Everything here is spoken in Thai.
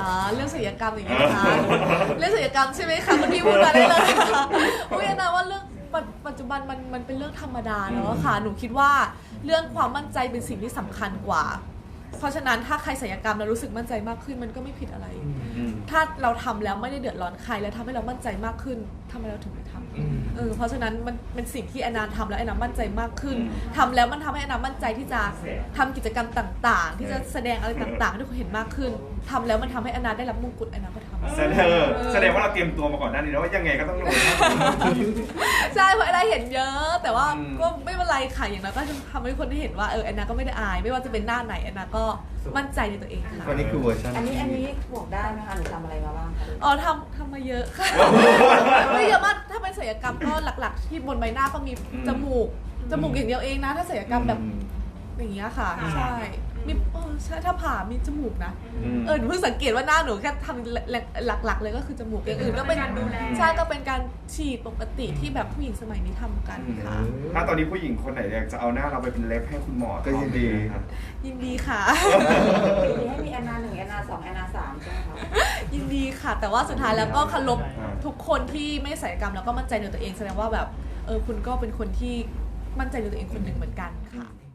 เรื่องศัลยกรรมอย่างเงี้ยนะคะเรื่องศัลยกรรมใช่ไหมคะคุณพี่พูดมาได้เลยค่ะอุ้ยนะว่าเรื่องปัจจุบันมันเป็นเรื่องธรรมดาแล้วค่ะหนูคิดว่าเรื่องความมั่นใจเป็นสิ่งที่สำคัญกว่าเพราะฉะนั้นถ้าใครศัลยกรรมแล้วรู้สึกมั่นใจมากขึ้นมันก็ไม่ผิดอะไร ถ้าเราทำแล้วไม่ได้เดือดร้อนใครแล้วทำให้เรามั่นใจมากขึ้นทำไมเราถึงไม่ทำเพราะฉะนั้นมันเป็นสิ่งที่แอนนาทำแล้วแอนนามั่นใจมากขึ้นทำแล้วมันทำให้แอนนามั่นใจที่จะทำกิจกรรมต่างๆ ที่จะแสดงอะไรต่างๆให้ทุกคนเห็นมากขึ้นทำแล้วมันทำให้แอนนาได้รับมงกุฎแอนนาก็ทำแสดงว่าเราเตรียมตัวมาก่อนหน้านี้แล้วว่ายังไงก็ต้องลงใช่เพราะแอนนาเห็นเยอะ แต่ว่าก็ไม่เป็นไรค่ะอย่างนั้นก็ทำให้คนได้เห็นว่าแอนนาก็ไม่ได้อายไม่ว่าจะเป็นหน้าไหนแอนนาก็มั่นใจในตัวเองค่ะวันนี้คือเวอร์ชันอันนี้บอกได้ไหมคะหนูทำอะไรมาบ้างคะอ๋อทำมาเยอะค่ะไม่เยอะมากถ้าเป็นศัลยกรรมก็หลักๆที่บนใบหน้าก็มีจมูกอย่างเดียวเองนะถ้าศัลยกรรมแบบอย่างเงี้ยค่ะใช่มีใช่ถ้าผ่ามีจมูกนะหนูเพิ่งสังเกตว่าหน้าหนูแค่ทำหลักๆเลยก็คือจมูกอย่างอื่นก็เป็นใช่ก็เป็นการฉีดปกติที่แบบผู้หญิงสมัยนี้ทำกันค่ะถ้าตอนนี้ผู้หญิงคนไหนอยากจะเอาหน้าเราไปเป็นเล็บให้คุณหมอก็ยินดีครับยินดีค่ะทีนี้ให้มีแอนนา1แอนนา2แอนนา3ใช่ไหมคะยินดีค่ะแต่ว่าสุดท้ายแล้วก็เคารพทุกคนที่ไม่ศัลยกรรมแล้วก็มั่นใจในตัวเองแสดงว่าแบบคุณก็เป็นคนที่มั่นใจในตัวเองคนหนึ่งเหมือนกันค่ะ